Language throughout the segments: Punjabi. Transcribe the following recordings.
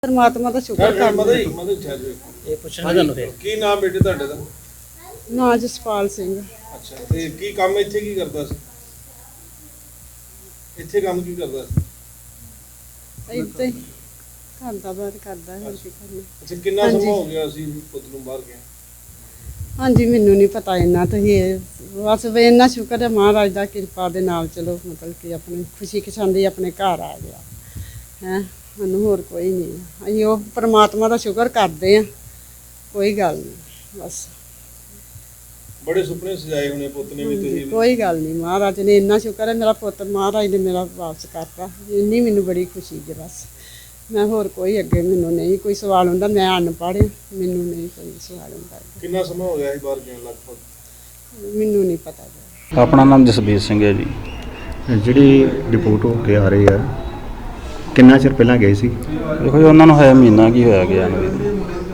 परमात्मा का शुक्र करना। ਇਹ ਪੁੱਛਣਾ ਤੁਹਾਨੂੰ ਫਿਰ ਕੀ ਨਾਮ ਬੇਟੇ ਤੁਹਾਡੇ ਦਾ? ना जसपाल सिंह ਅੱਛਾ ਤੇ ਕੀ ਕੰਮ ਇੱਥੇ ਕੀ ਕਰਦਾ ਸੀ? ਇੱਥੇ ਕੰਮ ਕੀ ਕਰਦਾ ਸੀ? इतने करता बाहर करता है की करना। ਅੱਛਾ ਕਿੰਨਾ ਹਾਂਜੀ। ਸਮਾਂ ਹੋ ਗਿਆ ਸੀ ਪੁੱਤ ਨੂੰ ਬਾਹਰ ਗਿਆ? हाँ जी मैनू नहीं पता इन्ना तो ये बस वे इन्ना शुक्र है महाराज का कृपा दे नाल चलो मतलब कि अपनी खुशी खशांदी अपने घर आ गया है। सानू होर कोई नहीं असीं वो परमात्मा का शुक्र करते हैं कोई गल नहीं बस। ਬੜੇ ਸੁਪਨੇ ਸਜਾਏ ਹੋਣੇ ਪੁੱਤ ਨੇ ਵੀ ਤੁਸੀਂ। कोई गल नहीं महाराज ने इन्ना शुक्र है मेरा पुत्र महाराज ने मेरा वापस करता इन्नी मैनू बड़ी खुशी है बस। मैं होर कोई अगे मैनू नहीं कोई सवाल हुंदा मैं अनपढ़ मैनू नहीं कोई सवाल हुंदा ਕਿੰਨਾ ਸਮਾਂ ਹੋ ਗਿਆ ਸੀ ਬਾਹਰ ਗਿਆ ਲਗਭਗ? मैनू नहीं पता। ਆਪਣਾ ਨਾਮ ਜਸਬੀਰ ਸਿੰਘ ਹੈ ਜੀ। ਜਿਹੜੀ ਰਿਪੋਰਟ ਹੋ ਕੇ ਆ ਰਹੀ ਹੈ ਕਿੰਨਾ ਚਿਰ ਪਹਿਲਾਂ ਗਏ ਸੀ? ਦੇਖੋ ਜੀ ਉਹਨਾਂ ਨੂੰ ਹੋਇਆ ਮਹੀਨਾ ਕੀ ਹੋਇਆ ਗਿਆ ਨੂੰ ਵੀ।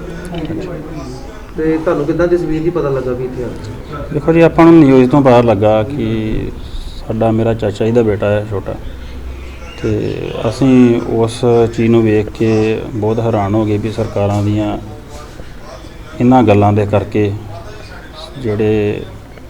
ਤੇ ਤੁਹਾਨੂੰ ਕਿੱਦਾਂ ਜਸਵੀਰ ਜੀ ਪਤਾ ਲੱਗਾ ਵੀ ਇੱਥੇ ਆ? ਦੇਖੋ ਜੀ ਆਪਾਂ ਨੂੰ ਨਿਊਜ਼ ਤੋਂ ਪਤਾ ਲੱਗਾ ਕਿ ਸਾਡਾ ਮੇਰਾ ਚਾਚਾ ਜੀ ਦਾ ਬੇਟਾ ਹੈ ਛੋਟਾ, ਤੇ ਅਸੀਂ ਉਸ ਚੀਜ਼ ਨੂੰ ਵੇਖ ਕੇ ਬਹੁਤ ਹੈਰਾਨ ਹੋ ਗਏ ਵੀ ਸਰਕਾਰਾਂ ਦੀਆਂ ਇਹਨਾਂ ਗੱਲਾਂ ਦੇ ਕਰਕੇ ਜਿਹੜੇ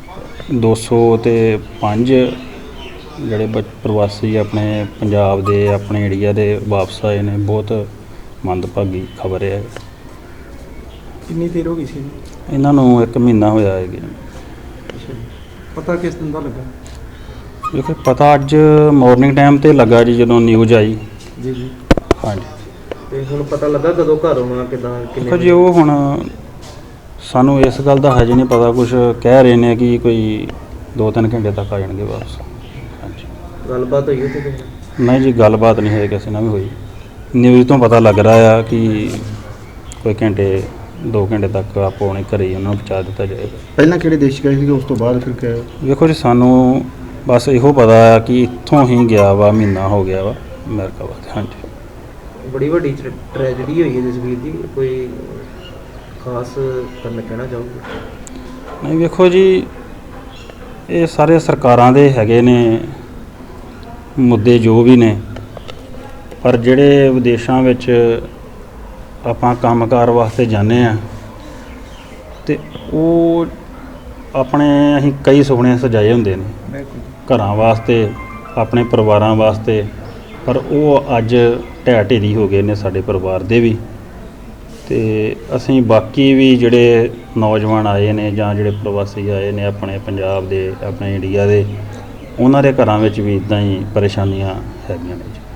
205 ਜਿਹੜੇ ਪ੍ਰਵਾਸੀ ਆਪਣੇ ਪੰਜਾਬ ਦੇ ਆਪਣੇ ਏਰੀਆ ਦੇ ਵਾਪਸ ਆਏ ਨੇ, ਬਹੁਤ ਮੰਦਭਾਗੀ ਖਬਰ ਹੈ। ਕਿੰਨੀ ਦੇਰ ਹੋ ਗਈ ਸੀ? ਇਹਨਾਂ ਨੂੰ 1 ਮਹੀਨਾ ਹੋਇਆ ਹੈ ਜੀ। ਪਤਾ ਕਿਸ ਦਿਨ ਦਾ ਲੱਗਾ? ਦੇਖੋ ਪਤਾ ਅੱਜ ਮਾਰਨਿੰਗ ਟਾਈਮ ਤੇ ਲੱਗਾ ਜੀ ਜਦੋਂ ਨਿਊਜ਼ ਆਈ। ਜੀ ਜੀ। ਹਾਂਜੀ ਤੇ ਹੁਣ ਪਤਾ ਲੱਗਾ ਕਦੋਂ ਘਰ ਆਉਣਾ ਕਿੱਦਾਂ ਦੇਖੋ ਜੀ ਉਹ ਹੁਣ ਸਾਨੂੰ ਇਸ ਗੱਲ ਦਾ ਹਜੇ ਨਹੀਂ ਪਤਾ, ਕੁਝ ਕਹਿ ਰਹੇ ਨੇ ਕਿ ਕੋਈ 2-3 ਘੰਟੇ ਤੱਕ ਆ ਜਾਣਗੇ ਵਾਪਸ। ਹਾਂਜੀ ਗੱਲਬਾਤ ਹੋਈ ਉੱਥੇ ਕਿਸੇ ਨਾਲ? ਨਹੀਂ ਜੀ ਗੱਲਬਾਤ ਨਹੀਂ ਹੈ ਕਿਸੇ ਨਾਲ ਵੀ ਹੋਈ। ਨਿਊਜ਼ ਤੋਂ ਪਤਾ ਲੱਗ ਰਿਹਾ ਆ ਕਿ ਕੋਈ 2 ਘੰਟੇ ਤੱਕ ਆਪੋ ਆਪਣੇ ਘਰੇ ਹੀ ਉਹਨਾਂ ਨੂੰ ਪਹੁੰਚਾ ਦਿੱਤਾ ਜਾਏਗਾ। ਪਹਿਲਾਂ ਕਿਹੜੇ ਦੇਸ਼ ਗਏ ਸੀ ਉਸ ਤੋਂ ਬਾਅਦ ਫਿਰ ਕਿਹਾ? ਵੇਖੋ ਜੀ ਸਾਨੂੰ ਬਸ ਇਹੋ ਪਤਾ ਆ ਕਿ ਇੱਥੋਂ ਹੀ ਗਿਆ ਵਾ, ਮਹੀਨਾ ਹੋ ਗਿਆ ਵਾ ਅਮਰੀਕਾ ਵਾਸਤੇ। ਹਾਂਜੀ ਬੜੀ ਵੱਡੀ ਟ੍ਰੈਜਡੀ ਹੋਈ ਹੈ ਜਸਵੀਰ ਜੀ, ਕੋਈ ਖਾਸ ਕਰਨ ਕਹਿਣਾ ਚਾਹੋਗੇ? ਨਹੀਂ ਵੇਖੋ ਜੀ ਇਹ ਸਾਰੇ ਸਰਕਾਰਾਂ ਦੇ ਹੈਗੇ ਨੇ ਮੁੱਦੇ ਜੋ ਵੀ ਨੇ, ਪਰ ਜਿਹੜੇ ਵਿਦੇਸ਼ਾਂ ਵਿੱਚ ਆਪਾਂ ਕੰਮਕਾਰ ਵਾਸਤੇ ਜਾਂਦੇ ਆ ਤੇ ਉਹ ਆਪਣੇ ਅਸੀਂ ਕਈ ਸੁਪਨੇ ਸਜਾਏ ਹੁੰਦੇ ਨੇ ਘਰਾਂ ਵਾਸਤੇ, ਆਪਣੇ ਪਰਿਵਾਰਾਂ ਵਾਸਤੇ, ਪਰ ਉਹ ਅੱਜ ਢਹਿ ਢੇਰੀ ਹੋ ਗਏ ਨੇ ਸਾਡੇ ਪਰਿਵਾਰ ਦੇ ਵੀ। ਤੇ ਅਸੀਂ ਬਾਕੀ ਵੀ ਜਿਹੜੇ ਨੌਜਵਾਨ ਆਏ ਨੇ ਜਾਂ ਜਿਹੜੇ ਪ੍ਰਵਾਸੀ ਆਏ ਨੇ ਆਪਣੇ ਪੰਜਾਬ ਦੇ ਆਪਣੇ ਇੰਡੀਆ ਦੇ, ਉਹਨਾਂ ਦੇ ਘਰਾਂ ਵਿੱਚ ਵੀ ਇੱਦਾਂ ਹੀ ਪਰੇਸ਼ਾਨੀਆਂ ਹੈਗੀਆਂ ਨੇ ਜੀ।